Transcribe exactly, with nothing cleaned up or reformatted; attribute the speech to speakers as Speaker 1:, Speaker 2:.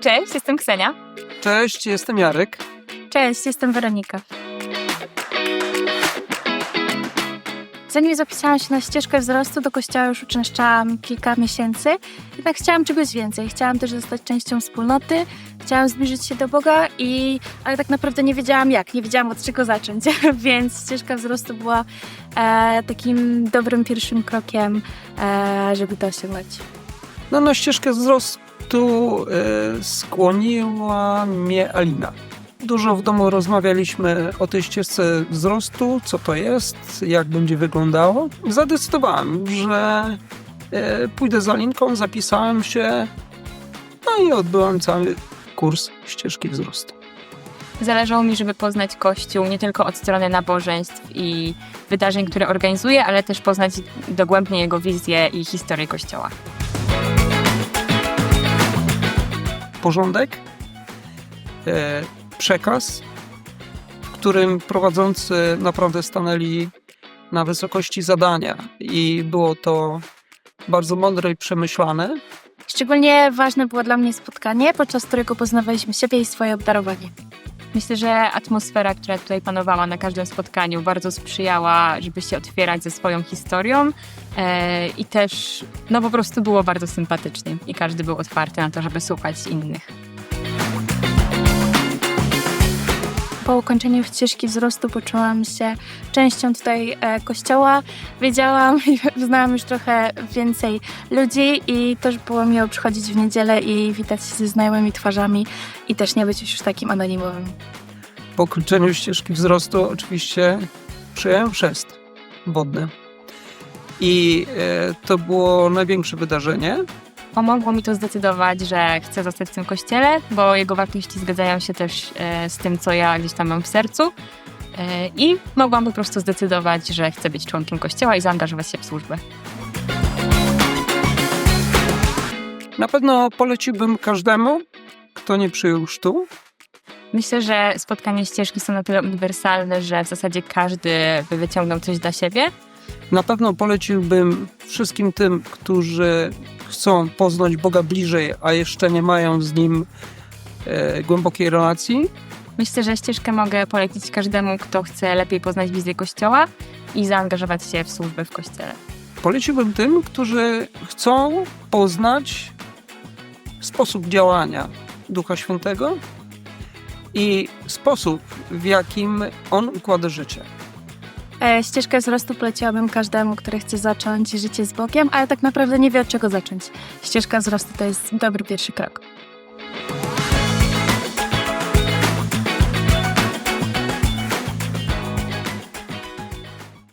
Speaker 1: Cześć, jestem Ksenia.
Speaker 2: Cześć, jestem Jarek.
Speaker 3: Cześć, jestem Weronika. Zanim zapisałam się na ścieżkę wzrostu, do kościoła już uczęszczałam kilka miesięcy. Jednak chciałam czegoś więcej. Chciałam też zostać częścią wspólnoty, chciałam zbliżyć się do Boga, i, ale tak naprawdę nie wiedziałam jak, nie wiedziałam od czego zacząć. Więc ścieżka wzrostu była e, takim dobrym pierwszym krokiem, e, żeby to osiągnąć.
Speaker 2: No, na ścieżkę wzrostu e, skłoniła mnie Alina. Dużo w domu rozmawialiśmy o tej ścieżce wzrostu, co to jest, jak będzie wyglądało. Zadecydowałem, że e, pójdę z Alinką, zapisałem się, no i odbyłem cały kurs ścieżki wzrostu.
Speaker 1: Zależało mi, żeby poznać Kościół nie tylko od strony nabożeństw i wydarzeń, które organizuje, ale też poznać dogłębnie jego wizję i historię Kościoła.
Speaker 2: Porządek, e, przekaz, w którym prowadzący naprawdę stanęli na wysokości zadania i było to bardzo mądre i przemyślane.
Speaker 3: Szczególnie ważne było dla mnie spotkanie, podczas którego poznawaliśmy siebie i swoje obdarowanie.
Speaker 1: Myślę, że atmosfera, która tutaj panowała na każdym spotkaniu, bardzo sprzyjała, żeby się otwierać ze swoją historią e, i też no po prostu było bardzo sympatycznie i każdy był otwarty na to, żeby słuchać innych.
Speaker 3: Po ukończeniu ścieżki wzrostu poczułam się częścią tutaj e, kościoła. Wiedziałam i znałam już trochę więcej ludzi i też było miło przychodzić w niedzielę i witać się ze znajomymi twarzami i też nie być już takim anonimowym.
Speaker 2: Po ukończeniu ścieżki wzrostu oczywiście przyjąłem chrzest wodny i e, to było największe wydarzenie.
Speaker 1: Pomogło mi to zdecydować, że chcę zostać w tym kościele, bo jego wartości zgadzają się też e, z tym, co ja gdzieś tam mam w sercu. E, I mogłam po prostu zdecydować, że chcę być członkiem kościoła i zaangażować się w służbę.
Speaker 2: Na pewno poleciłbym każdemu, kto nie przyjął chrztu.
Speaker 1: Myślę, że spotkania ścieżki są na tyle uniwersalne, że w zasadzie każdy by wyciągnął coś dla siebie.
Speaker 2: Na pewno poleciłbym wszystkim tym, którzy chcą poznać Boga bliżej, a jeszcze nie mają z Nim e, głębokiej relacji.
Speaker 1: Myślę, że ścieżkę mogę polecić każdemu, kto chce lepiej poznać wizję Kościoła i zaangażować się w służbę w Kościele.
Speaker 2: Poleciłbym tym, którzy chcą poznać sposób działania Ducha Świętego i sposób, w jakim On układa życie.
Speaker 3: E, ścieżkę wzrostu poleciłabym każdemu, który chce zacząć życie z Bogiem, ale tak naprawdę nie wie od czego zacząć. Ścieżka wzrostu to jest dobry pierwszy krok.